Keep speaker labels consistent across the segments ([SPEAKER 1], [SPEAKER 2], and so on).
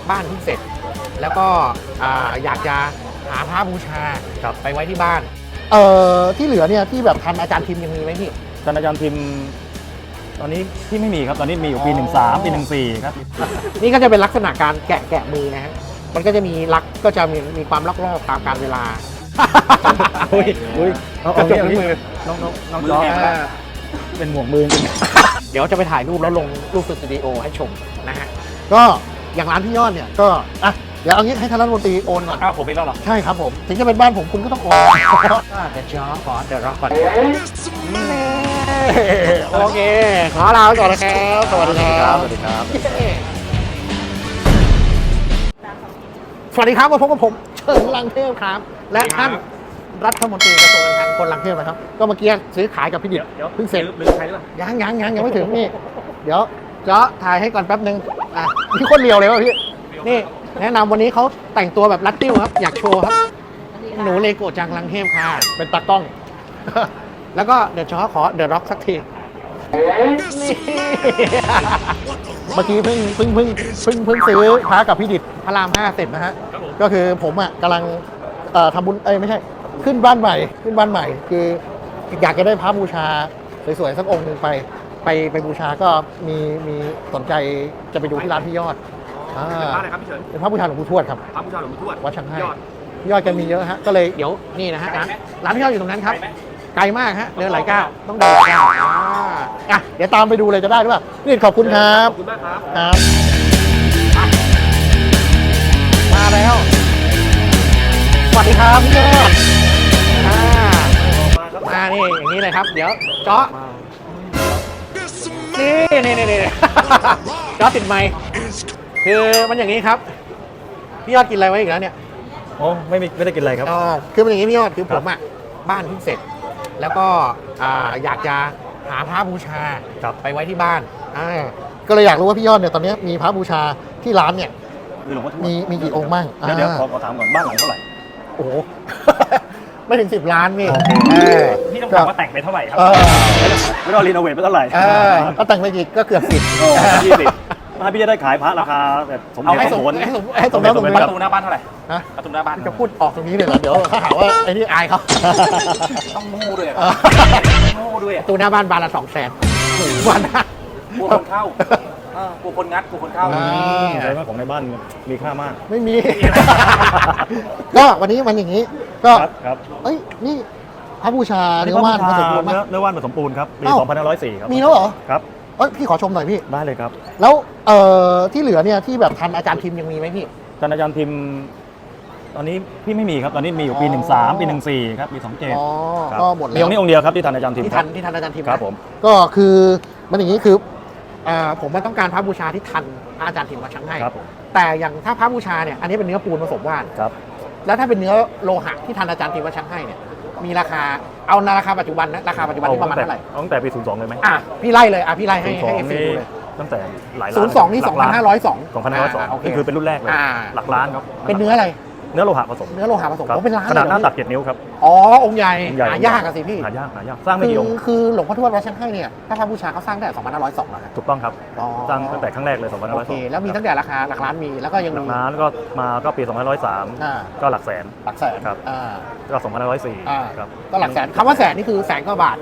[SPEAKER 1] บ้านเพิ่งเสร็จ แล้วก็อยากจะหาพระบูชาไปไว้ที่บ้านที่เหลือเนี่ยที่แบบทันอาจารย์พิมพ์ยังมีไหมพี่
[SPEAKER 2] ท่านอาจารย์พิมพ์ตอนนี้ที่ไม่มีครับตอนนี้มีอยู่ปี 13 ปี 14ครับ
[SPEAKER 1] นี่ก็จะเป็นลักษณะการแกะมือนะฮะมันก็จะมีลักก็จะมีความลอกๆตามกาลเวลาอุ้ยกระจกมือ
[SPEAKER 2] น้องจอเป็นหมวกมือจริง
[SPEAKER 1] เดี๋ยวจะไปถ่ายรูปแล้วลงรูปสตูดิโอให้ชมนะฮะก็อย่างร้านพี่ยอดเนี่ยก็เดี๋ยวเอางี้ให้ท่านรัฐมนตรีโอนก่อน
[SPEAKER 2] ผมเป็นแล้วเหรอ
[SPEAKER 1] ใช่ครับผมถึงจะเป็นบ้านผมคุณก็ต้องโอนเดี๋ยวจ้าขอเดี๋ยวรอก่อนโอเคขอลาไปก่อนนะครับสวัสดีครับ
[SPEAKER 2] สวัสดีครับ
[SPEAKER 1] สวัสดีครับมาพบกับผมเฉินลังเทพครับและท่านรัฐมนตรีกระทรวงการคลังคนลังเทพนะครับก็เมื่อกี้ซื้อขายกับพี่ดิษฐ์เพิ่งเสร็จ
[SPEAKER 2] หรือใครหรือเปล่า
[SPEAKER 1] ยังไม่ถึงนี่เดี๋ยวจะถ่ายให้ก่อนแป๊บนึงพี่คนเรียวเลยวะพี่นี่แนะนำวันนี้เขาแต่งตัวแบบรัดติ้วครับอยากโชว์ครับหนูเลโกจังลังเทพค่ะเป็นตากล้อง แล้วก็เดี๋ยวจะขอเดอะร็อกสักทีนี่เมื่อกี้เพิ่งซื้อพระกับพี่ดิษฐ์พระราม 5เสร็จนะฮะก็คือผมกำลังทำบุญไม่ใช่ขึ้นบ้านใหม่คืออยากจะได้พระบูชาสวยๆสักองค์หนึ่งไปบูชาก็มีสนใจจะไปดูที่ร้านพี่ยอด
[SPEAKER 3] เป็นพระอะไรครับพี่เฉิน
[SPEAKER 1] เป็นพระบูชาหลวงปู่ทวดครับ
[SPEAKER 3] พระบูชาหลวงปู่ทวด
[SPEAKER 1] วัดช่างให้
[SPEAKER 3] ยอด
[SPEAKER 1] พี่ยอดแกมีเยอะฮะก็เลยเดี๋ยวนี่นะฮะร้านพี่ยอดอยู่ตรงนั้นครับไกลมากฮะเดินหลายก้าวต้องเดินหลายก้าวเดี๋ยวตามไปดูเลยจะได้หรือเปล่าพี่ขอบคุณครับ
[SPEAKER 3] ขอบคุณมากครับ
[SPEAKER 1] ครับมาแล้วสวัสดีครับพี่ยอดนี่อย่างนี้เลยครับ เดี๋ยวเจาะนี่ เจาะติดไมค์คือมันอย่างนี้ครับพี่ยอดกินอะไรไว้อีกแล้วเนี่ย
[SPEAKER 2] โอ้ไม่ได้กินอะไรครับ
[SPEAKER 1] คือมันอย่างนี้พี่ยอดคือผมบ้านเพิ่งเสร็จ แล้วก็อยากจะหาพระบูชาไปไว้ที่บ้านก็เลยอยากรู้ว่าพี่ยอดเนี่ยตอนนี้มีพระบูชาที่ร้านเนี่ย
[SPEAKER 2] หลวงพ่อทวด
[SPEAKER 1] มีกี่องค์บ้าง
[SPEAKER 2] เดี๋ยวขอถามก่อนบ้านหลังเท่าไหร่
[SPEAKER 1] โอ้โห ไม่ถึง10 ล้านพี่
[SPEAKER 2] พี่ต้องถามว่าแต่งไปเท่าไหร่ครับไม่ต้องรีโนเวทไปเท่าไหร่
[SPEAKER 1] ก็แต่งไปอีกก็เกือบ10
[SPEAKER 2] ถ้าพี่จะได้ขายพระราคาแบบสมเหตุสมผล
[SPEAKER 1] ให้สมแล้วสม
[SPEAKER 3] ประตูหน้าบ้านเท่าไหร่
[SPEAKER 1] ฮะ
[SPEAKER 3] ประตูหน้าบ้าน
[SPEAKER 1] จะพูดออกตรงนี้เลยเหรอเดี๋ยวเขาหาว่าไอ้นี่อายเขา
[SPEAKER 3] ต้องมูด้วยมูด้วย
[SPEAKER 1] ประตูหน้าบ้านบานละ200,000วันนะ
[SPEAKER 3] กลัวคนเข้ากลัวคนงัดกลัวคนเข้า
[SPEAKER 2] แสดงว่าของในบ้านมีค่ามาก
[SPEAKER 1] ไม่มี ก็วันนี้มันอย่างนี้ ก็
[SPEAKER 2] ครับ
[SPEAKER 1] เอ้ยนี่พระบูชาเนื้อว่านผสมปูนไหม
[SPEAKER 2] เนื้อว่านผสมปูนครับปี 2504 ครับ
[SPEAKER 1] มีแล้วเหรอ
[SPEAKER 2] ครับ
[SPEAKER 1] พี่ขอชมหน่อยพี่
[SPEAKER 2] ได้เลยครับ
[SPEAKER 1] แล้วที่เหลือเนี่ยที่แบบทันอาจารย์พิมพ์ยังมีไหมพี่
[SPEAKER 2] ท่านอาจารย์พิมพ์ตอนนี้พี่ไม่มีครับตอนนี้มีอยู่ปี 13 ปี 14 ครับปี 27 ครับ
[SPEAKER 1] ก็หมดแล้ว
[SPEAKER 2] มีองค์นี้องค์เดียวครับที่ท่านอาจารย์พิมพ์
[SPEAKER 1] ที่ทันอาจารย์พิมพ์
[SPEAKER 2] ครับผม
[SPEAKER 1] ก็คือมันอย่างนี้คือผมมันต้องการพระบูชาที่ทันพระอาจารย์พิมพ์วัดช่างให้
[SPEAKER 2] ครับผม
[SPEAKER 1] แต่อย่างถ้าพระบูชาเนี่ยอันนี้เป็นเนื้อปูนผสมว่าน
[SPEAKER 2] ครับ
[SPEAKER 1] แล้วถ้าเป็นเนื้อโลหะที่ทันอาจารย์พิมพ์วัดช่างให้เนี่ยมีราคาเอาราคาปัจจุบันนะราคาปัจจุบันที่ประมาณเท่าไหร่
[SPEAKER 2] เอาตั้งแต่ปี 02 เลยไหม
[SPEAKER 1] พี่ไล่เลยพี่ไล่ให้
[SPEAKER 2] 02
[SPEAKER 1] เอฟซี
[SPEAKER 2] นี่
[SPEAKER 1] ดูเลย
[SPEAKER 2] ตั้งแต่หลายล้าน
[SPEAKER 1] 02นี่ 2502
[SPEAKER 2] 2502นี่คือเป็นรุ่นแรกเลยหลักล้านครับ
[SPEAKER 1] เป็นเนื้ออะไร
[SPEAKER 2] เนื้อโลหะผสม
[SPEAKER 1] เนื้อโลหะผสม
[SPEAKER 2] ครับ
[SPEAKER 1] เป็นล้าน
[SPEAKER 2] ขนาดหน้า
[SPEAKER 1] เลย
[SPEAKER 2] ตัก7 นิ้วครับ
[SPEAKER 1] องค์ใหญ่
[SPEAKER 2] องค์ใหญ่
[SPEAKER 1] หายากอะสิพี่
[SPEAKER 2] หายากสร้างไม่กี่องค์
[SPEAKER 1] คือหลวงพ่อทวดวัดช่างให้เนี่ยถ้าพระบูชาเขาสร้างตั้งแต่2502แล้ว
[SPEAKER 2] ถูกต้องครับสร้างตั้งแต่ครั้งแรกเลย
[SPEAKER 1] โอเคแล้วมีตั้งแต่ราคาหลักล้านมีแล้วก็ยัง
[SPEAKER 2] หลั
[SPEAKER 1] มี
[SPEAKER 2] กล้านก็ปี 2503 ก็หลักแสน
[SPEAKER 1] หลักแสน
[SPEAKER 2] ครับ ก็2504ครับ
[SPEAKER 1] ก็หลักแสนคำว่าแสนนี่คือแสนกว่าบาท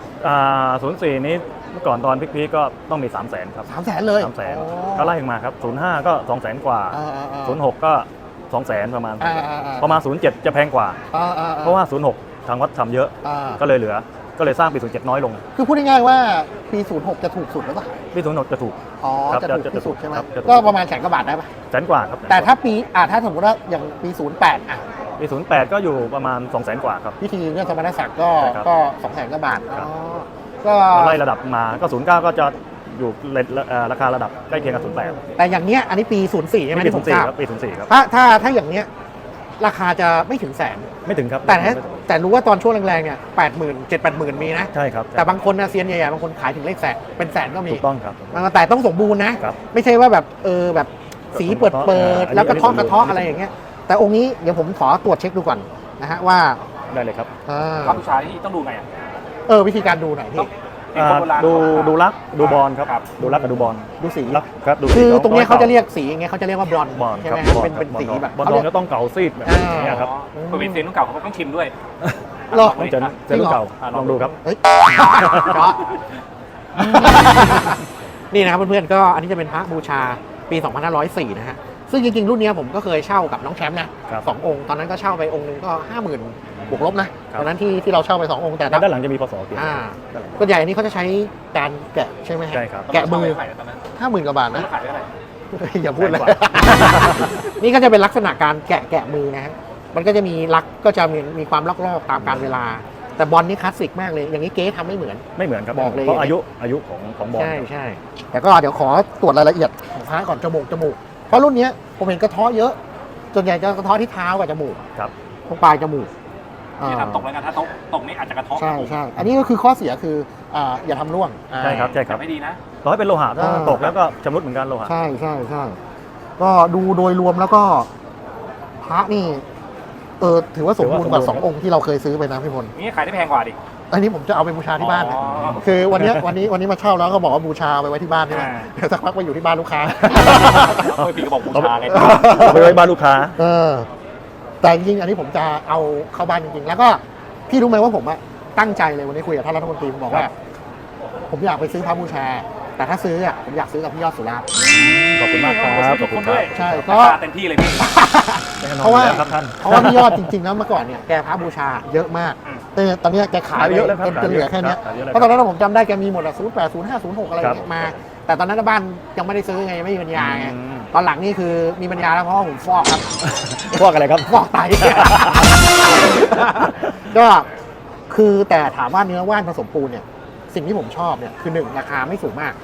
[SPEAKER 2] 04 นี้เมื่อก่อนตอนพีคๆก็ต้องมี 300,000 ครับ
[SPEAKER 1] 300,000เลย
[SPEAKER 2] 300,000 ก็ไล่มาครับ 05 ก็ 200,000 กว่า 06 ก็ 200,000 ประมาณ ประมาณ 07 จะแพงกว่า เพราะว่า 06 ทางวัดทำเยอะ ก็เลยเหลือ ก็เลยสร้างปี 07 น้อยลง
[SPEAKER 1] คือพูดง่ายๆว่าปี06จะถูกสุดหรือเปล่า
[SPEAKER 2] ปี 06 จะถูก
[SPEAKER 1] จะถูกที่สุดใช่ไหม
[SPEAKER 2] ครับจะถูก
[SPEAKER 1] ก็ประมาณแสนกว่าบาทได้ปะ
[SPEAKER 2] แสนกว่าครับ
[SPEAKER 1] แต่ถ้าปีถ้าสมมติว่าอย่างปี08
[SPEAKER 2] ปี 08 ก็อยู่ประมาณ 200,000 กว่าครับ
[SPEAKER 1] พิธีเรื่องสมณศักดิ์ก็
[SPEAKER 2] ใช่ครับ
[SPEAKER 1] ก็200,000กว่าบาท
[SPEAKER 2] ครับ
[SPEAKER 1] ก็
[SPEAKER 2] ไล่ระดับมา ก็ 09 ก็จะอยู่ราคาระดับใกล้เคียงกับ 08
[SPEAKER 1] แต่อย่างเนี้ยอันนี้ปี04ใช่ไหม
[SPEAKER 2] ปี
[SPEAKER 1] ที่ผมทราบ
[SPEAKER 2] 04ครับปี 04 ครับ
[SPEAKER 1] ถ้าอย่างเนี้ยราคาจะไม่ถึงแสน
[SPEAKER 2] ไม่ถึงครับ
[SPEAKER 1] แต่รู้ว่าตอนช่วงแรงๆเนี่ย80,000 70,000มีนะ
[SPEAKER 2] ใช่ครับ
[SPEAKER 1] แต่บางคนนะเซียนใหญ่ๆบางคนขายถึงเลขแสนเป็นแสนก็มี
[SPEAKER 2] ถูกต้องครับ
[SPEAKER 1] แต่ต้องสมบูรณ์นะ
[SPEAKER 2] ครับ
[SPEAKER 1] ไม่ใช่ว่าแบบแบบสีเปิด
[SPEAKER 2] อันนี้
[SPEAKER 1] แล้วกระเทาะ
[SPEAKER 2] อันนี้
[SPEAKER 1] กระเทาะอะไรอย่างเงี้ยแต่องค์นี้เดี๋ยวผมขอตรวจเช็คดูก่อนนะฮะว่า
[SPEAKER 2] ได้เลยครับ
[SPEAKER 3] พระบูชาที่ต้องดูไงอ่ะ
[SPEAKER 1] วิธีการดูหน่อยพี่
[SPEAKER 2] ดูรักดูบอลครับดูรักกับดูบอล
[SPEAKER 1] ดูสี
[SPEAKER 2] รักครับดู
[SPEAKER 1] คือตรงนี้เขาจะเรียกสีอย่างเงี้ยเขาจะเรียกว่าบลอน
[SPEAKER 2] บอล
[SPEAKER 1] ใช่
[SPEAKER 2] ค
[SPEAKER 1] ไห
[SPEAKER 2] รั
[SPEAKER 1] ม
[SPEAKER 2] บ
[SPEAKER 1] ครับเป็นสีแบบ
[SPEAKER 2] บอลทองก็ต้องเก่าซีดแบบนี้ครับ
[SPEAKER 3] คนเป็นเซนต้องเก่าเขาก็ต้องชิมด้วย
[SPEAKER 1] หรอ
[SPEAKER 2] ต้องเจอรุ่นเก่าลองดูครับ
[SPEAKER 1] เฮ้ยเจาะนี่นะครับเพื่อนๆก็อันนี้จะเป็นพระบูชาปี 2504 นะฮะซึ่งจริงๆรุ่นนี้ผมก็เคยเช่ากับน้องแชมป์นะสององค์ตอนนั้นก็เช่าไปองค์นึงก็ 50,000 บวกลบนะตอนนั้นที่เราเช่าไป2องค์แต่
[SPEAKER 2] ด้านหลังจะมีพศเขียน
[SPEAKER 1] ส่วนใหญ่อันนี้เขาจะใช้การแกะใช่ไหมฮะ
[SPEAKER 2] ใช่ครับ
[SPEAKER 1] แกะมือ 50,000 กว่าบาทนะ
[SPEAKER 3] ขายได้เท่าไหร่
[SPEAKER 1] อย่าพูดเลย
[SPEAKER 2] แพงกว่า
[SPEAKER 1] นี่ก็จะเป็นลักษณะการแกะมือนะฮะมันก็จะมีลักก็จะมีความลอกๆตามกาลเวลา แต่บอลนี่คลาสสิกมากเลยอย่างนี้เก๊ทำไม่เหมือน
[SPEAKER 2] ไม่เหมือนครับ
[SPEAKER 1] บอกเลย
[SPEAKER 2] เพราะอายุของบอล
[SPEAKER 1] ใช่แต่ก็เดี๋ยวขอตรวจรายละเอียดของพระก่อนจมูกเพราะรุ่นเนี้ยผมเห็นกระเทาะเยอะส่วนใหญ่จะกระเทาะที่เท้ากับจมูก
[SPEAKER 2] ครับ
[SPEAKER 1] ตรงปลายจมูก
[SPEAKER 3] ที่ทำตกแล้วกันถ้าตกนี่อาจจะกระทบ
[SPEAKER 1] ใช่อันนี้ก็คือข้อเสียคืออย่าทำร่วง
[SPEAKER 2] ใช่ครับใช่ครับ
[SPEAKER 3] ไม่ดีนะ
[SPEAKER 2] ต่อให้เป็นโลหะถ้าตกแล้วก็ชำรุดเหมือนกันโลหะ
[SPEAKER 1] ใช่ก็ดูโดยรวมแล้วก็พระนี่ถือว่าสมบูรณ์กว่า2องค์ที่เราเคยซื้อไปนะพี่พล
[SPEAKER 3] นี่ขายได้แพงกว่าดิ
[SPEAKER 1] อันนี้ผมจะเอาไปบูชาที่บ้านนะ
[SPEAKER 3] อ๋อ
[SPEAKER 1] คือวันนี้มาเช่าแล้วก็บอกว่าบูชาไปไว้ที่บ้านใช่ไหมเดี๋ยวสักพักไปอยู่ที่บ้านลูกค้า
[SPEAKER 3] พี่ก็บอกบูชาไง
[SPEAKER 2] เอาไปไว้บ้านลูกค้า
[SPEAKER 1] แต่จริงๆอันนี้ผมจะเอาเข้าบ้านจริงๆ แล้วก็พี่รู้ไหมว่าผมตั้งใจเลยวันนี้คุยกับท่านรัฐมนตรีผมบอกว่า ผมอยากไปซื้อพระบูชา แต่ถ้าซื้อผมอยากซื้อกับพี่ยอดสุราษฎร์
[SPEAKER 2] ขอบคุณมากครับขอบคุณครับ
[SPEAKER 1] ใช่
[SPEAKER 3] ก็
[SPEAKER 1] ก็
[SPEAKER 3] เต็มที่เลยพี่
[SPEAKER 1] เพราะว่า
[SPEAKER 2] ครับท่าน
[SPEAKER 1] พี่ยอดจริงๆแล้วเมื่อก่อนเนี่ยแกพระบูชาเยอะมากแต่ตอนนี้แกขายไปเยอะแล้วจนเหลือแค่นี้ เพราะตอนนั้นผมจำได้แกมีหมด08 05 06อะไรอย่างเงี้ยมา แต่ตอนนั้นบ้านยังไม่ได้ซื้อไงไม่มีปัญญาไงตอนหลังนี่คือมีปัญญาแล้วเพราะว่าผมฟอกครับ
[SPEAKER 2] พวกอะไรครับ
[SPEAKER 1] ฟอกไต ก็คือแต่ถามว่าเนื้อว่านผสมปูนเนี่ยสิ่งที่ผมชอบเนี่ยคือ1ราคาไม่สูงมาก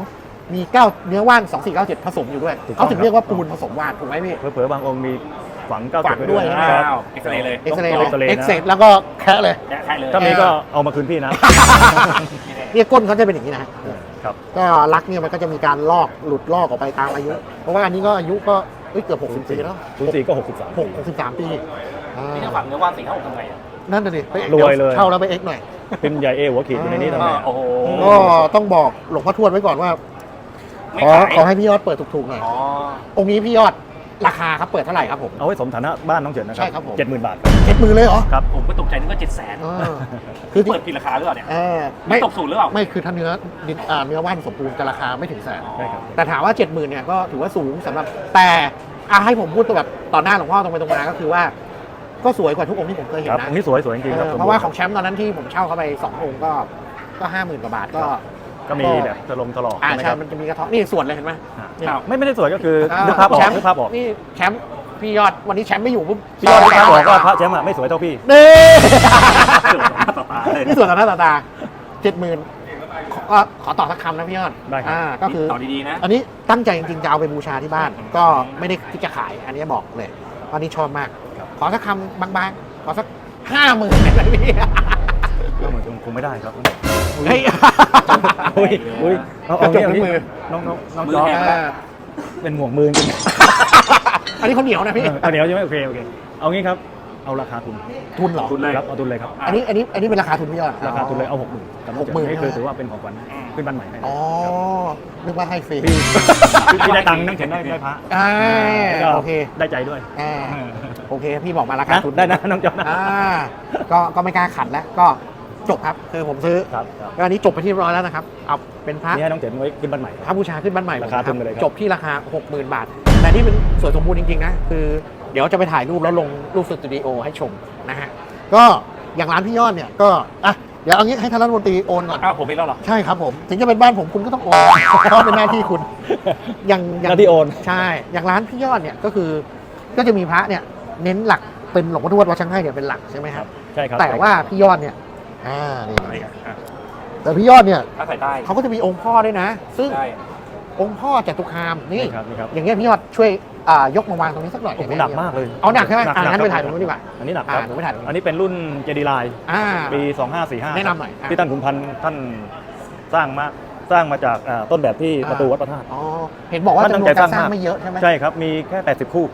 [SPEAKER 1] 2มี9เนื้อว่าน2497ผสมอยู่ด้วย
[SPEAKER 2] ถูกต้อง
[SPEAKER 1] เขาถึงเรียกว่าปูนผสมว่านถูกไหมพี่
[SPEAKER 2] เผลอๆบางองค์มีฝังเก้า
[SPEAKER 1] ฝังด้วย
[SPEAKER 2] นะ
[SPEAKER 3] อ้า
[SPEAKER 2] ครับ
[SPEAKER 3] วเอ็กซเรย์เลย
[SPEAKER 1] เอ็กซเรย์
[SPEAKER 2] เอ็กซเรย์นะ
[SPEAKER 1] เอ็กเซแล้วก็แคะเลย
[SPEAKER 3] แกะใครเลย
[SPEAKER 2] ถ้ามีก็เอามาคืนพี่นะ
[SPEAKER 1] เนี่ยก้นเขาจะเป็นอย่างนี้นะ
[SPEAKER 2] ครับ
[SPEAKER 1] ก็ลักเนี่ยมันก็จะมีการลอกหลุดลอกออกไปตามอายุ เพราะว่าอันนี้ก็อายุก็เกือบ60 ปีแล้ว
[SPEAKER 2] 04ก็63
[SPEAKER 1] 63 ปีอ่า
[SPEAKER 3] นี่จะฝังเนื้อว่าน4 5 6ทำไงอ่ะ
[SPEAKER 1] นั่นน่ะดิไป
[SPEAKER 2] รวยเลย
[SPEAKER 1] เช่าแล้วไปเอ็กหน่อย
[SPEAKER 2] เป็นใหญ่เอหัวขีดอยู่ในนี้ทำไม
[SPEAKER 3] โอ้โห
[SPEAKER 1] ก็ต้องบอกหลวงพ่อทวดไว้ก่อนว่า
[SPEAKER 3] ไม่
[SPEAKER 1] ขอ
[SPEAKER 3] ขาย
[SPEAKER 1] ขอให้พี่ยอดเปิดถูกๆหน่อย
[SPEAKER 3] อ๋อ
[SPEAKER 1] องค์นี้พี่ยอดราคาครับเปิดเท่าไหร่ครับผม
[SPEAKER 2] เอาไว้สมฐานะบ้านน้องเฉินนะครั
[SPEAKER 1] ใช่ครับผม
[SPEAKER 2] 70,000 บาท
[SPEAKER 1] 70,000เลยเหรอ
[SPEAKER 2] ครับ
[SPEAKER 3] ผมก็ตกใจนึกว่า700,000
[SPEAKER 1] เออคือ
[SPEAKER 3] เปิดผิดราคาหรือเปล่าเนี่ย
[SPEAKER 1] ไม่
[SPEAKER 3] ตกศูนย์หรือเปล่า
[SPEAKER 1] ไม่คือถ้าเนื้อว่านสมบูรณ์จะราคาไม่ถึงแสน
[SPEAKER 2] ใช่ครับ
[SPEAKER 1] แต่ถามว่า 70,000เนี่ยก็ถือว่าสูงสำหรับแต่ให้ผมพูดแบบต่อหน้าหลวงพ่อตรงไปตรงมาก็คือว่า ก็สวยกว่าทุกองค์ที่ผมเคยเห็น
[SPEAKER 2] ครับ
[SPEAKER 1] นะ
[SPEAKER 2] องค์นี้สวยจริงๆครับ
[SPEAKER 1] เพราะว่าของแชมป์ตอนนั้นที่ผมเช่าเข้าไป2องค์ก็ 50,000 กว่าบาทก็
[SPEAKER 2] ก็มีแบบถลอกใช่ไหมค
[SPEAKER 1] ใช่
[SPEAKER 2] รับ
[SPEAKER 1] มันจะมีกระเทาะนี่ส่วนเลยเห็นไหม นี่
[SPEAKER 2] ไม่ได้สวยก็คือนึกภาพออก
[SPEAKER 1] แชมป์
[SPEAKER 2] นึกภาพออก
[SPEAKER 1] นี่แชมป์พี่ยอดวันนี้แชมป์ไม่อยู่ปุ๊บ
[SPEAKER 2] พี่ยอดนึกภาพออกว่าพระแชมป์อะไม่สวยเท่าพี่
[SPEAKER 1] นี่
[SPEAKER 3] ต่อตาเลย
[SPEAKER 1] นี่ส่วนต่อหน้าต่อตา 70,000ก็ขอตอบสักคำนะพี่ยอด
[SPEAKER 2] ได้ครับ
[SPEAKER 1] ก็คือ
[SPEAKER 3] ต่อดีๆนะ
[SPEAKER 1] อันนี้ตั้งใจจริงๆจะเอาไปบูชาที่บ้าน ก็ไม่ได้ที่จะขาย อันนี้บอกเลยอันนี้ชอบมาก ขอสักคำบางๆ ขอสัก 50,000ได้ไหมพี่
[SPEAKER 2] ก็เหมือนคงไม่ได้ครับ
[SPEAKER 1] เฮ้ย
[SPEAKER 2] อุ้ยเอา
[SPEAKER 1] กระจก
[SPEAKER 2] เนี่ย
[SPEAKER 1] มือ
[SPEAKER 2] น้อง
[SPEAKER 3] มือ
[SPEAKER 2] จอ
[SPEAKER 3] แห้ง
[SPEAKER 2] เป็นห่วงมือจริง
[SPEAKER 1] อันนี้เขาเหนียวนะพี่
[SPEAKER 2] เอาเดี๋ยวใช่ไหมโอเคเอางี้ครับเอาราคาทุน
[SPEAKER 1] ทุนเหรอ
[SPEAKER 3] ทุนเลย
[SPEAKER 2] ครับเอาทุนเลยครับ
[SPEAKER 1] อันนี้เป็นราคาทุนพี่ยอด
[SPEAKER 2] ราคาทุนเลยเอา60,000กับน้องเฉิน
[SPEAKER 1] 60,000
[SPEAKER 2] นี่คือถือว่าเป็นของขวัญขึ้นบ้านใหม่ให้
[SPEAKER 1] อ๋อ นึกว่าให้ฟรี
[SPEAKER 2] พี่ได้ตังค์น้องเฉินได้พระ
[SPEAKER 1] อ่าโอเค
[SPEAKER 2] ได้ใจด้วย
[SPEAKER 1] อ่าโอเค พี่บอกมาราคา
[SPEAKER 2] นะ
[SPEAKER 1] ทุน
[SPEAKER 2] ได้นะน้องจอมนะ
[SPEAKER 1] ก็ไม่กล้าขัดแล้ว ก็จบครับ คือผมซื้อ
[SPEAKER 2] ครับ
[SPEAKER 1] แล้วอันนี้จบไปที่เรียบร้อยแล้วนะครับ เอาเป็นพระ
[SPEAKER 2] นี่ให้น้องเฉินไว้ขึ้นบ้านใหม่
[SPEAKER 1] พระบูชาขึ้นบ้านใหม่
[SPEAKER 2] ราคาทุนไปเลยครับ
[SPEAKER 1] จบที่ราคา 60,000 บาท แต่นี่เป็นสวยสมบูรณ์จริงๆนะ คือเดี๋ยวจะไปถ่ายรูปแล้วลงรูปสตูดิโอให้ชมนะฮะ ก็อย่างร้านพี่ยอดเนี่ยก็เดี๋ยวเอางี้ให้ท่านรัฐมนตรีโอนก่อน
[SPEAKER 3] อ้าวผมเป็นแล้วเหรอ
[SPEAKER 1] ใช่ครับผม ถึงจะเป็นบ้านผมคุณก็ต้องโอน เพราะเป็นหน้าที่คุณ อย่าง
[SPEAKER 2] หน้าที่โอน
[SPEAKER 1] ใช่ อย่างร้านพี่ยอดเนี่ยก็คือ ก็จะมีพระเนี่ยเน้นหลักเป็นหลวงพ่อทวดวัดช่างให้เนี่ยเป็นหลักใช่ไหมครับ
[SPEAKER 2] ใช่ครับ
[SPEAKER 1] แต่ว่าพี่ยอดเนี่ยนี่แต่พี่ยอดเนี่ย
[SPEAKER 3] ถ้าใส่ใต้
[SPEAKER 1] เขาก็จะมีองค์พ่อด้วยนะ ซึ่ง
[SPEAKER 3] ได้
[SPEAKER 1] องค์พ่อจตุคามนี่
[SPEAKER 2] นี่ครับ
[SPEAKER 1] อย่างเงี้ยพี่ยอดช่วยยกมาวางตรงนี้สักหน่อย
[SPEAKER 2] โอ้โห
[SPEAKER 1] ได้ไ
[SPEAKER 2] หนักมากเลย
[SPEAKER 1] เอาหนักใช่ไหม
[SPEAKER 2] หนัก
[SPEAKER 1] งั้น
[SPEAKER 2] หนั
[SPEAKER 1] ไป
[SPEAKER 2] ก
[SPEAKER 1] ถ่ายตรงนู้นดีกว่า
[SPEAKER 2] อันนี้หนักครับ
[SPEAKER 1] หนูไปถ่ายตรงนู้น
[SPEAKER 2] อันนี้เป็นรุ่นเจดีไลน์ ปี 2545
[SPEAKER 1] แนะนำหน่อย
[SPEAKER 2] ที่ท่านขุนพันธ์ท่านสร้างมาจากต้นแบบที่ประตูวัดพระธาตุ
[SPEAKER 1] อ๋อเห็นบอกว่า
[SPEAKER 2] ท่าน
[SPEAKER 1] จำนวน
[SPEAKER 2] ตั้งใจ
[SPEAKER 1] การสร้าง
[SPEAKER 2] สร้างมาก
[SPEAKER 1] ไม่เยอะใช่ไหม
[SPEAKER 2] ใช่ครับ มีแค่ 80 คู่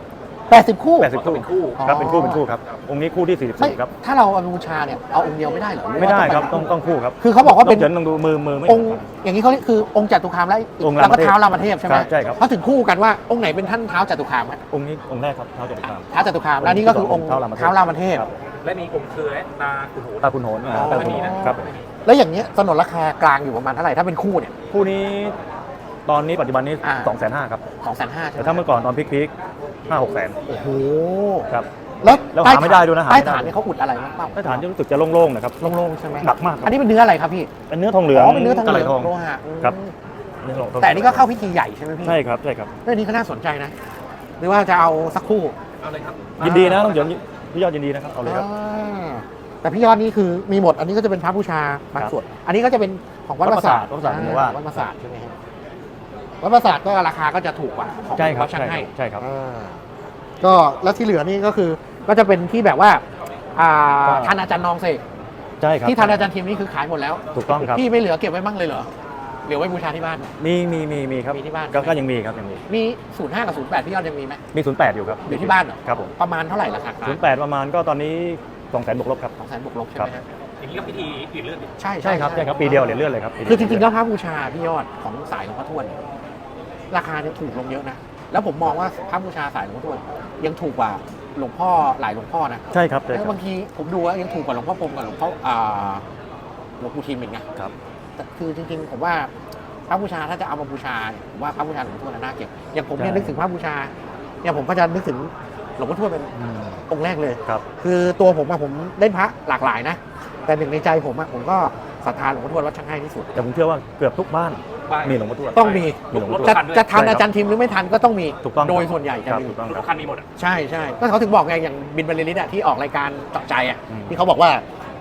[SPEAKER 1] 80 คู่
[SPEAKER 2] 80 คู่
[SPEAKER 3] เป็นคู่
[SPEAKER 2] ครับเป็นคู่ครับองค์นี้คู่ที่
[SPEAKER 1] ไม่
[SPEAKER 2] 44ครับ
[SPEAKER 1] ถ้าเราเอาบูชาเนี่ยเอาองค์เดียวไม่ได้เหรอหอ
[SPEAKER 2] ไม่
[SPEAKER 1] ว่า
[SPEAKER 2] ได้ครับ
[SPEAKER 1] เป็น
[SPEAKER 2] ต้องคู่ครับ
[SPEAKER 1] คือเขาบอกว่าเป็น
[SPEAKER 2] เฉินต้องดูมือไม่
[SPEAKER 1] องค์อย่างนี้เขาเรียกคือองค์จตุคามและ
[SPEAKER 2] องค์
[SPEAKER 1] แล้วก็
[SPEAKER 2] รามเทพ
[SPEAKER 1] เท้ารามเทพใช่ไหม
[SPEAKER 2] ใช่ครับ
[SPEAKER 1] เขาถึงคู่กันว่าองค์ไหนเป็นท่านเท้าจตุคามฮะ
[SPEAKER 2] องค์นี้องค์แรกครับเท้าจตุคาม
[SPEAKER 1] เท้าจตุคามแล้วนี่ก็คือองค์
[SPEAKER 2] เท้ารามเทพ
[SPEAKER 1] เท้ารามเทพ
[SPEAKER 2] ครับ
[SPEAKER 3] และมีองค์เครือตาขุนโหน
[SPEAKER 2] ตาคุณโหน
[SPEAKER 1] อ๋อ
[SPEAKER 2] ตาคุณโหนครับ
[SPEAKER 1] แล้วอย่างเงี้ยสนนราคากลางอยู่ประมาณเท่าไหร่ถ้าเป็นคู่เนี่ย
[SPEAKER 2] คู่นี้ตอนนี้ปัจจุบันนี้
[SPEAKER 1] อ่า
[SPEAKER 2] 250,000ครับ
[SPEAKER 1] 250,000ใช่ไหม
[SPEAKER 2] แต่ถ้าเมื่อก่อนตอนพีคๆ5-6 แสน
[SPEAKER 1] โอ้โห
[SPEAKER 2] ครับ
[SPEAKER 1] แล้ว
[SPEAKER 2] แล้วหาไม่ได้ด้วยนะหา
[SPEAKER 1] ใต้
[SPEAKER 2] ไม่ได้
[SPEAKER 1] ฐานเนี่ยเขาอุดอะไรบ้างเปล่า
[SPEAKER 2] ใต้ฐานจะรู้สึกจะโล่งๆนะครับ
[SPEAKER 1] โล่งๆใช่ไหม
[SPEAKER 2] หนักมากครับ
[SPEAKER 1] อันนี้เป็นเนื้ออะไรครับพี่
[SPEAKER 2] เป็นเนื้อทองเหลือง
[SPEAKER 1] เป็นเนื้อทองเหลือง
[SPEAKER 2] กะไหทอง
[SPEAKER 1] โลหะ
[SPEAKER 2] ครับ
[SPEAKER 1] อืม
[SPEAKER 2] เนื้อทอง
[SPEAKER 1] แต่อันนี่ก็เข้าพิธีใหญ่ใช่ไหมพี่
[SPEAKER 2] ใช่ครับใช่ครับ
[SPEAKER 1] เรื่องนี้ก็น่าสนใจนะ หรือว่าจะเอาสักคู่
[SPEAKER 3] เอาเลยครับ
[SPEAKER 2] ยินดีนะต้องเฉินพี่ยอดยินดีนะครับเอาเลยครับ
[SPEAKER 1] อ่าแต่พี่ยอดนี่คือมีหมด อันนี้ก็จะเป็นพระบูชาบางส่วน อันนี้ก็จะเป็นของวัดประสาท
[SPEAKER 2] วัดประสาทผมว่า
[SPEAKER 1] วัดประสาทใช่ไหมครับวัดประสาทก็ราคาก็จะถูกกว่าของ
[SPEAKER 2] ใช่ครับ
[SPEAKER 1] วัดช่างให้
[SPEAKER 2] ใช่ครับ
[SPEAKER 1] อ่าก็แล้วที่เหลือนี่ก็คือก็จะเป็นที่แบบว่าทานอาจารย์นองเสก
[SPEAKER 2] ใช่ครับ
[SPEAKER 1] ที่ทานอาจารย์ทีมนี่คือขายหมดแล้ว
[SPEAKER 2] ถูกต้องครับ
[SPEAKER 1] พี่ไม่เหลือเก็บไว้บ้างเลยเหรอเหลือไว้บูชาที่บ้าน
[SPEAKER 2] มีครับ
[SPEAKER 1] มีที่บ้าน
[SPEAKER 2] ก็ยังมีครับยังมี
[SPEAKER 1] มี05กับ08พี่ยอดยังมีไหม
[SPEAKER 2] มี08อยู่ครับ
[SPEAKER 1] อยู่ที่บ้านเหรอ
[SPEAKER 2] ครับผม
[SPEAKER 1] ประมาณเท่าไหร่ราคา
[SPEAKER 2] 08ประมาณก็ตอนนี้200,000บวกลบครับ
[SPEAKER 1] 200,000บวกลบใช่ไหมครับ
[SPEAKER 3] อย่างนี้ก็พิธีเปลี่ยนเลือดดิ
[SPEAKER 1] ใช่
[SPEAKER 2] ใช่ครับใช่ครับปีเดียวเหรียญเลื่อนเลยครับปีเดียว
[SPEAKER 1] คือจริงๆแล้วพระบูชาพี่ยอดของสายหลวงพ่อทวดเนี่ยราคาเนี่ยถูกลงเยอะนะแล้วผมมองว่าพระบูชาสายหลวงพ่อทวดยังถูกกว่าหลวงพ่อหลายหลวงพ่อนะ
[SPEAKER 2] ใช่ครับใช่
[SPEAKER 1] แล้ว
[SPEAKER 2] ครับ
[SPEAKER 1] บางทีผมดูว่ายังถูกกว่าหลวงพ่อพรหมกับหลวงพ่อหลวงปู่ทิมอีกนะครับ แต่คือจริงๆผมว่าพระบูชาถ้าจะเอามาบูชาเนี่ยผมว่าพระบูชาหลวงพ่อทวดน่าเก็บอย่างผมเนี่ยนึกถึงพระบูชาเนี่ยผมก็จะนึกถึงหลวงพ่อทวดเป็นองค์แรกเลย
[SPEAKER 2] ครับ
[SPEAKER 1] คือตัวผมอะผมเล่นพระหลากหลายนะ แต่หนึ่งในใจผมอะผมก็ศรัทธาหลวงพ่อทวดวัดช่างให้ที่สุด
[SPEAKER 2] แต่ผมเชื่อว่าเกือบทุกบ้าน
[SPEAKER 3] บ้าน
[SPEAKER 2] มีหลวงพ่อทวด
[SPEAKER 1] ต้องมี
[SPEAKER 2] มีหลวงพ่อทวด
[SPEAKER 1] จะทัน
[SPEAKER 2] ใช่ครับ
[SPEAKER 1] อาจารย์ทิมหรือไม่ทันก็ต้องมี
[SPEAKER 2] ถูกต้อง
[SPEAKER 1] โดยส่วนใหญ่จะ
[SPEAKER 2] ครับ
[SPEAKER 1] มี
[SPEAKER 2] ถูกต้อง
[SPEAKER 3] ทุ
[SPEAKER 2] ครับ
[SPEAKER 3] กคันมีหมดอ่ะ
[SPEAKER 1] ใช่ใช่ก็เขาถึงบอกไงอย่างบินบรรลือฤทธิ์อะที่ออกรายการเจาะใจอะ
[SPEAKER 2] อืม
[SPEAKER 1] ที่เขาบอกว่า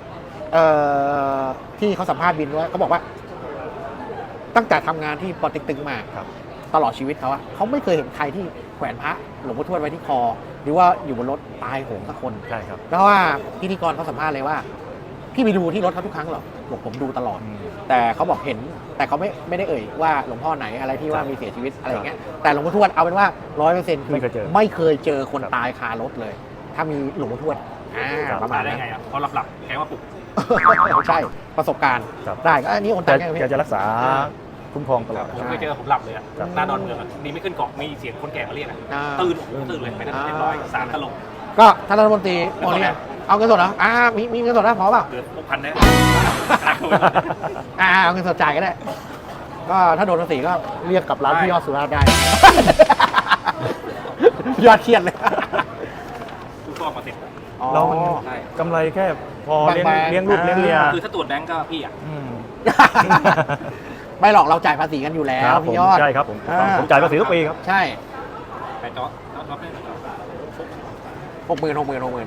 [SPEAKER 1] ที่เขาสัมภาษณ์บินว่าเขาบอกว่า ตั้งแต่ทำงานที่ปอเต็กตึงมา
[SPEAKER 2] ครับ
[SPEAKER 1] ตลอดชีวิตเขาอะเขาไม่เคยเห็นใครที่แขวนพระหลวงพ่อทวดไว้ที่คอ หรือว่าอยู่บนรถตายโหงสักคน
[SPEAKER 2] ใช่ครับ
[SPEAKER 1] แล้วว่าพิธีกรเขาสัมภาษณ์เลยว่า พี่ไปดูที่รถเขาทุกครั้งเหรอบอกผมดูตลอด แต่เขาบอกเห็น แต่เขาไม่ได้เอ่ยว่าหลวงพ่อไหนอะไรที่ว่ามีเสียชีวิตอะไรอย่างเงี้ยแต่หลวงพ่อทวดเอาเป็นว่า100%คือ
[SPEAKER 2] ไม่เคยเจอ
[SPEAKER 1] ไม่เคยเจอคน
[SPEAKER 2] ครับ
[SPEAKER 1] ตายคารถเลย ถ้ามีหลวงพ่อทวดประมา
[SPEAKER 3] มา
[SPEAKER 1] ณ
[SPEAKER 3] ได้
[SPEAKER 1] นั้น
[SPEAKER 3] ไงอ่ะพอหลับแกว่าปลุก
[SPEAKER 1] ใช่ประสบการณ์
[SPEAKER 2] ครับ
[SPEAKER 1] ได้ก็อันนี้คน
[SPEAKER 2] แก
[SPEAKER 1] ตายไงพี่
[SPEAKER 2] แกจะรักษาคุ้มครองตลอด
[SPEAKER 3] ผมเคยเจอผมหลับเลยอ่ะ
[SPEAKER 2] ครับ
[SPEAKER 3] หน้าดอนเมืองอ่ะดีไม่ขึ้นเกาะมีเสียงคนแก่มาเรียกอ่ะ
[SPEAKER 1] อ่า
[SPEAKER 3] ตื่นเลยไปนั่นเรียบร้อยสารตลก
[SPEAKER 1] ก็ท่านรัฐมนตรีโมเรียนเอาเงินสดเหรอมีเงินสดนะพอเปล่า
[SPEAKER 3] เหลือ6,000นะ
[SPEAKER 1] เอาเงินสดจ่ายก็ได้ ก็ถ้าโดนภาษีก็เรียกกับร้านพี่ยอดสุราษฎร์ได้ ยอดเครียดเลย
[SPEAKER 3] ทุกข้อมาเสร็จ
[SPEAKER 2] เรามัน
[SPEAKER 3] ใช่
[SPEAKER 2] กำไรแค่พอเลี้ยง
[SPEAKER 1] บางๆ
[SPEAKER 2] เลี้ยงลูกเลี้ยงเมีย
[SPEAKER 3] คือถ้าตรวจแบงก์ก็พี่อ่ะ
[SPEAKER 2] อืม
[SPEAKER 1] ไม่หรอกเราจ่ายภาษีกันอยู่แล้
[SPEAKER 2] คว รับผม
[SPEAKER 1] พี่ยอด
[SPEAKER 2] ใช่ครับผม
[SPEAKER 1] อ่า
[SPEAKER 2] ผมจ่ายภาษีทุกปีครับ
[SPEAKER 1] ใช่
[SPEAKER 3] ไปจ๊อบได้ไหม
[SPEAKER 1] 60,000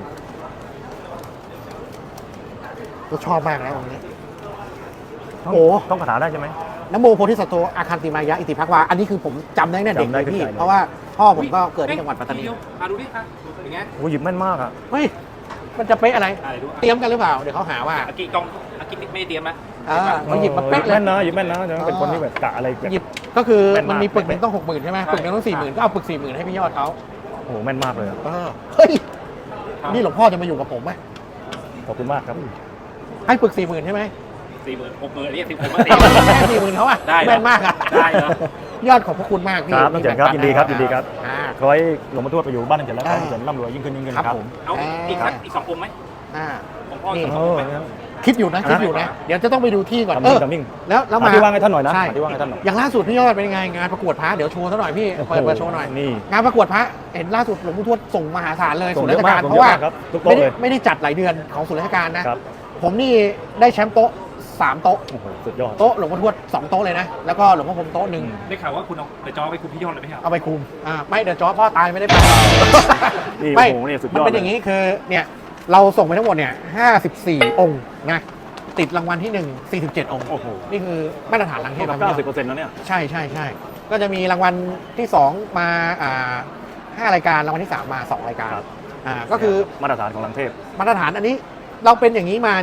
[SPEAKER 1] ก็ชอบมากนะวันนี้ โอ้
[SPEAKER 2] ต้องคาถาได้ใช่ไหม
[SPEAKER 1] นะโมโพธิสัตว์โตอาคันติมายะอิติภักวาอันนี้คือผมจำได้ตั้งแต่เด็ก
[SPEAKER 2] จำ
[SPEAKER 1] เล
[SPEAKER 2] ได้
[SPEAKER 1] ยพี่
[SPEAKER 2] ขึ้นใจเลย
[SPEAKER 1] เพราะว่าพ่อผมก็เกิดที่จังหวัดปัตตานี
[SPEAKER 3] ดูดิอย่างเงี้ย
[SPEAKER 2] โอ้หยิบแม่นมากอ่ะ
[SPEAKER 1] เฮ้ยมันจะเป๊ะอะไร
[SPEAKER 3] อะไรดู
[SPEAKER 1] เตรียมกันหรือเปล่าเดี๋ยวเขาหาว่า
[SPEAKER 3] อากิไม่ได้เตรียมนะ
[SPEAKER 1] เขาหยิบมาเป๊ะเลย
[SPEAKER 2] แม่นนะหยิบแม่นนะจะเป็นคนที่แบบกะอะไรแบบ
[SPEAKER 1] หยิบก็คือ
[SPEAKER 2] แม่นมาก
[SPEAKER 1] มันมีปึกหนึ่งต้อง60,000ใช่ไหมปึกหนึงต้อง40,000ก็เอาปึก40,000ให้พี่ยอดเขา
[SPEAKER 2] โอ้โหแม่นมากเลยอะ
[SPEAKER 1] เฮ้ยนี่หลวงพ่อจะมาอยู่กับผมไหม
[SPEAKER 2] ขอบคุณมากครับ
[SPEAKER 1] ให้ปึก40,000ใช่ไหม
[SPEAKER 3] 60,000เรียก10,000มา
[SPEAKER 1] แค่40,000เขาอะ
[SPEAKER 3] ได้เหรอ
[SPEAKER 1] แม่นมากอะ
[SPEAKER 3] ได้เหรอ
[SPEAKER 1] ยอดขอบพระคุณมากพี่
[SPEAKER 2] ครับน้องเจ๋งครับยินดีครับยินดีครับ
[SPEAKER 1] อ่า
[SPEAKER 2] ขอให้หลวงพ่อทวดไปอยู่บ้านน้องเจ๋งแล้วขอให้
[SPEAKER 1] อ่า
[SPEAKER 2] น้องเจ๋งร่ำรวยยิ่งขึ้นยิ่งขึ้น
[SPEAKER 1] ครับ
[SPEAKER 2] ครับ
[SPEAKER 1] ผม
[SPEAKER 3] เอาอีก2องค์ไหม
[SPEAKER 1] อ่า
[SPEAKER 3] ของพ่อ
[SPEAKER 1] นี่
[SPEAKER 3] อีก
[SPEAKER 2] โอ้
[SPEAKER 3] 2องค์ไหม
[SPEAKER 2] เนี่ย
[SPEAKER 1] คิดอยู่นะคิดอยู่นะ เดี๋ยวจะต้องไปดูที่ก่อน
[SPEAKER 2] ทำมิ่งทำมิ่ง
[SPEAKER 1] แล้วมา
[SPEAKER 2] หาที่ว่างให้ท่านหน่อยนะ
[SPEAKER 1] ใช่
[SPEAKER 2] หาที่ว่างให้ท่านหน่อย
[SPEAKER 1] อย่างล่าสุดพี่ยอดเป็นยังไงงานประกวดพระเดี๋ยวโชว์ซะหน่อยพี่เปิดโชว์หน่อย
[SPEAKER 2] นี่
[SPEAKER 1] งานประกวดพระเห็นล่าสุดหลวงพ่อทวดส่งมหาศาลเลย
[SPEAKER 2] ส่
[SPEAKER 1] ศู
[SPEAKER 2] ง
[SPEAKER 1] นย์
[SPEAKER 2] เย
[SPEAKER 1] ราช
[SPEAKER 2] อะมาก
[SPEAKER 1] การ
[SPEAKER 2] ส่ง
[SPEAKER 1] เพราะว่า
[SPEAKER 2] เยอะมากครับทุกโต๊ะเลย
[SPEAKER 1] ไม่ได้จัดหลายเดือนของศูนย์ราชการนะครับ ผมนี่ได้แชมป์โต๊ะ3โต๊ะ
[SPEAKER 2] โอ้โหสุดยอด
[SPEAKER 1] โต๊ะหลวงพ่อทวด2โต๊ะเลยนะแล้วก็หลวงพ่อพรหมโต๊ะหนึ่ง
[SPEAKER 3] ได้ข่าวว่าคุณเอาเดี๋ยวจอไปคุณพี่ยอดเลยไหมครับ
[SPEAKER 1] เอาไปคุมไม่เดี๋ยวจอพ่อตายไม่ได้ไป
[SPEAKER 2] นี่
[SPEAKER 1] ไม่
[SPEAKER 2] โอ้โหนี่สุดย
[SPEAKER 1] มัน
[SPEAKER 2] อด
[SPEAKER 1] เป็นอย่างนี้คือเนี่ยเราส่งไปทั้งหมดเนี่ย54 องค์นะติดรางวัลที่ 1 47 องค์
[SPEAKER 2] โอ้โห
[SPEAKER 1] นี่คือมาตรฐานลังเทพ
[SPEAKER 2] 90%แล้วเนี่ย
[SPEAKER 1] ใช่ใช่ใช่ก็จะมีรางวัลที่ 2 มา5 รายการรางวัลที่ 3 มา 2 รายการ
[SPEAKER 2] ครับ
[SPEAKER 1] ก็คือ
[SPEAKER 2] มาตรฐานของลังเทพ
[SPEAKER 1] มาตรฐานอันนี้เราเป็นอย่างนี้มาเนี่ย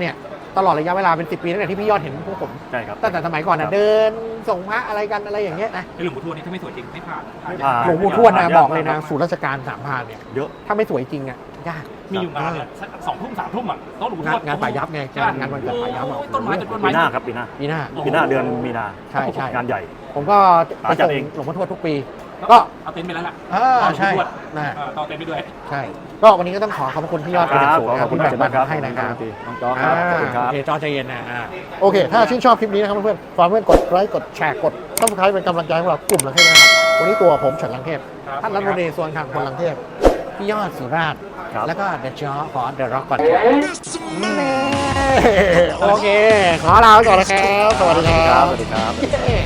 [SPEAKER 1] ตลอดระยะเวลาเป็น10 ปีตั้งแต่ที่พี่ยอดเห็นพวกผม
[SPEAKER 2] ใช่ครับ
[SPEAKER 1] ตั้งแต่สมัยก่อน
[SPEAKER 2] ครั
[SPEAKER 1] นะ
[SPEAKER 2] บ
[SPEAKER 1] เดินส่งพระอะไรกันอะไรอย่างเงี้ยนะ
[SPEAKER 3] ไอ้หลวงปู่ทวดนี่ถ้าไม่สวยจริงไม่ผ่าน
[SPEAKER 2] ไม่ผ่าน
[SPEAKER 1] หลวงปู่ทวดนะ
[SPEAKER 2] ยาก
[SPEAKER 1] บอกเลยนะ
[SPEAKER 2] มาก
[SPEAKER 1] ศูนย์ราชการสามพรานเนี่ย
[SPEAKER 2] เยอะ
[SPEAKER 1] ถ้าไม่สวยจริงอ่ะยาก
[SPEAKER 3] มีอยู่งานเนี่ย2 ทุ่ม 3 ทุ่มอ่ะโต๊ะหลวงปู่ทวด
[SPEAKER 1] งานป่ายับไงงานวันเกิดป่ายับอ่ะ
[SPEAKER 3] โอ้ต้นไม้ต้น
[SPEAKER 2] ปี
[SPEAKER 3] ไม้
[SPEAKER 2] หน้าครับปีหน้า
[SPEAKER 1] ปีหน้า
[SPEAKER 2] ปีหน้าเดือนมีนา
[SPEAKER 1] ใช่ใช่
[SPEAKER 2] งานใหญ่
[SPEAKER 1] ผมก็ไป
[SPEAKER 2] จัด
[SPEAKER 1] ส่ง
[SPEAKER 2] เอง
[SPEAKER 1] หลวงพ่อทวดทุกปี
[SPEAKER 3] ก็
[SPEAKER 1] ก็
[SPEAKER 3] เอาเต็นท์ไปแล้วล่ะ
[SPEAKER 1] ใช่นะ
[SPEAKER 3] ต่อเต็นท์ไปด้วย
[SPEAKER 1] ใช่ ก็วันนี้ก็ต้องขอขอบคุณพี่ยอดเป็นอย่างสูง
[SPEAKER 2] ขอบคุณ
[SPEAKER 1] ที่แบ่งปัน
[SPEAKER 2] ครับ
[SPEAKER 1] ให้นะครับ
[SPEAKER 2] น้องจอครับขอบคุณครับ
[SPEAKER 1] โอเคจอใจเย็นนะโอเค ถ้าชื่นชอบคลิปนี้นะครับเพื่อนๆฝากเพื่อนกดไลค์กดแชร์กดซับสไครป์เป็นกำลังใจให้พวกเรากลุ่มลังเทพนะครับวันนี้ตัวผมเฉินลังเทพ
[SPEAKER 3] ครับ
[SPEAKER 1] ท่านรัฐมนตรีส่วนขังคนลังเทพพี่ยอดสุราษฎร์
[SPEAKER 2] ครับ
[SPEAKER 1] แล้วก็เดอะจอขอเดอะร็อกก่อนโอเค ขอลาไปก่อนนะครับ สวัสดีครับ
[SPEAKER 2] สวัสดีครับ
[SPEAKER 1] เย้